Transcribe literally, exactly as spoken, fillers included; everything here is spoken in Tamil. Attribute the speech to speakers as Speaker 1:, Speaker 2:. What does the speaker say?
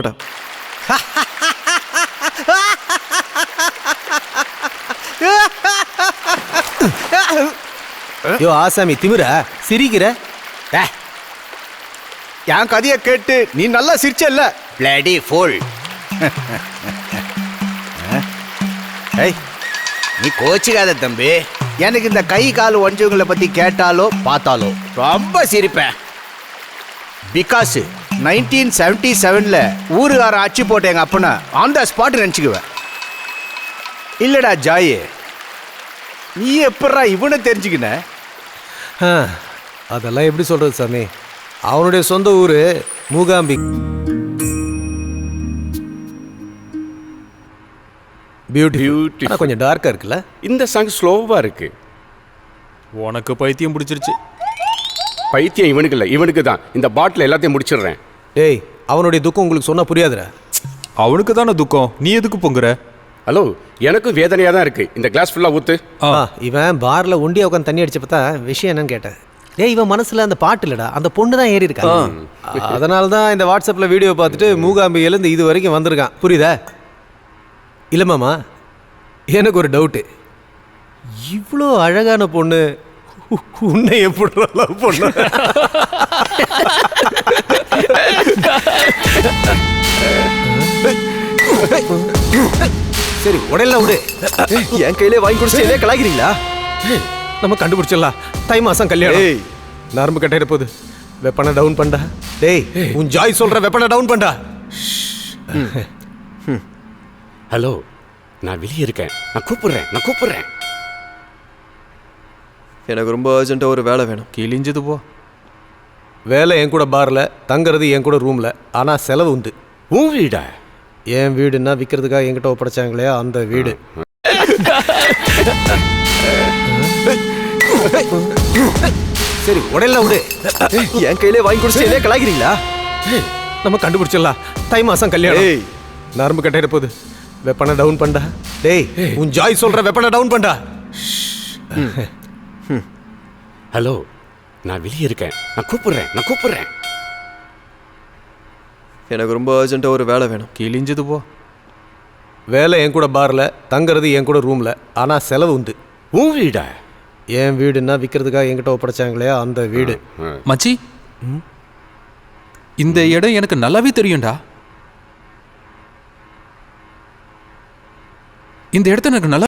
Speaker 1: யோ ஆசாமி திமிர சிரிக்கிற?
Speaker 2: என் கதையை கேட்டு நீ நல்லா சிரிச்சல்ல.
Speaker 3: Bloody full. ஏய், நீ கோச்சிக்காத தம்பி. எனக்கு இந்த கை கால் ஒஞ்சவங்களை பத்தி கேட்டாலோ பார்த்தாலோ ரொம்ப சிரிப்பேன். பிகாஸ் நைன்டீன் செவன்டி செவன்ல ஊருகார அச்சு போட்ட எங்க அப்பனை ஆன் த ஸ்பாட் நினச்சிக்குவேன். இல்லடா ஜாயே, நீ எப்படா இவனை தெரிஞ்சுக்கின?
Speaker 1: அதெல்லாம் எப்படி சொல்றது சாமி? அவனுடைய சொந்த ஊரு மூகாம்பி. பியூட்டி கொஞ்சம் டார்க்கா இருக்குல்ல?
Speaker 2: இந்த சாங் ஸ்லோவா இருக்கு.
Speaker 4: உனக்கு பைத்தியம் பிடிச்சிருச்சு.
Speaker 2: பைத்தியம் இவனுக்கு இல்லை, இவனுக்கு தான். இந்த பாட்டில் எல்லாத்தையும் முடிச்சிடுறேன்.
Speaker 1: டேய், அவனுடைய துக்கம் உங்களுக்கு சொன்னா புரியாதுடா.
Speaker 4: அவனுக்கு தானே துக்கம், நீ எதுக்கு பொங்குற?
Speaker 2: ஹலோ, எனக்கும் வேதனையாக தான் இருக்கு. இந்த கிளாஸ் ஃபுல்லாக ஊத்து.
Speaker 1: இவன் பார்ல ஒண்டியா உட்காந்து தண்ணி அடிச்ச பார்த்தா விஷயம் என்னன்னு கேட்டேன். டேய், இவன் மனசுல அந்த பாட்டு இல்லடா, அந்த பொண்ணு தான் ஏறி இருக்கா. அதனால தான் இந்த வாட்ஸ்அப்ல வீடியோ பார்த்துட்டு மூகாம்பியிலேருந்து இது வரைக்கும் வந்திருக்கான். புரியுதா? இல்லை மாமா, எனக்கு ஒரு டவுட்டு. இவ்வளோ அழகான பொண்ணு உன்னை எப்படி லவ் பண்ண? சரி, உடனே விடு. என் கையிலே வாங்கி குடிச்சு கலாகிறீங்களா? நம்ம கண்டுபிடிச்சிடலாம். தை மாசம் கல்யாணம். நரம்பு கட்டையிட போகுது. வெப்பனை டவுன் பண்ணா. டேய், உன் ஜாய் சொல்ற வெப்பனை டவுன் பண்ணா.
Speaker 2: ஹலோ, நான் வெளியே இருக்கேன். நான் கூப்பிடுறேன் நான் கூப்பிடுறேன்
Speaker 5: எனக்கு ரொம்ப அர்ஜென்ட்டாக ஒரு வேலை வேணும்.
Speaker 4: கிழிஞ்சது போ.
Speaker 1: வேலை என் கூட பார்ல, தங்குறது என் கூட ரூம்ல. ஆனா செலவு உண்டு.
Speaker 2: உன் வீடா?
Speaker 1: என் வீடுன்னா விற்கிறதுக்காக என்கிட்ட ஒப்படைச்சாங்களே அந்த வீடு. சரி, உடனே விடு.
Speaker 5: என் கையிலே வாங்கி குடிச்சு கலாகிறீங்களா?
Speaker 1: நம்ம கண்டுபிடிச்சிடலாம். தை மாசம் கல்யாணம். நரம்பு கட்டையிட போகுது. வெப்பனை டவுன் பண்ணா. டேய், உன் ஜாய் சொல்ற வெப்பனை டவுன் பண்ணா.
Speaker 2: ஹலோ, நான் வெளியே இருக்கேன். நான் கூப்பிடுறேன் நான் கூப்பிடுறேன்
Speaker 5: எனக்கு ரொம்ப அர்ஜென்ட்டாக ஒரு வேலை வேணும்.
Speaker 4: கிழிஞ்சது போ.
Speaker 1: வேலை என் கூட பார்ல, தங்குறது என் கூட ரூம்ல. ஆனா செலவு உண்டு.
Speaker 2: உன் வீடா?
Speaker 1: என் வீடுன்னா விற்கிறதுக்காக என்கிட்ட ஒப்படைச்சாங்களே அந்த வீடு.
Speaker 4: மச்சி, இந்த இடம் எனக்கு நல்லாவே தெரியும்டா. இந்த இடத்த எனக்கு நல்லா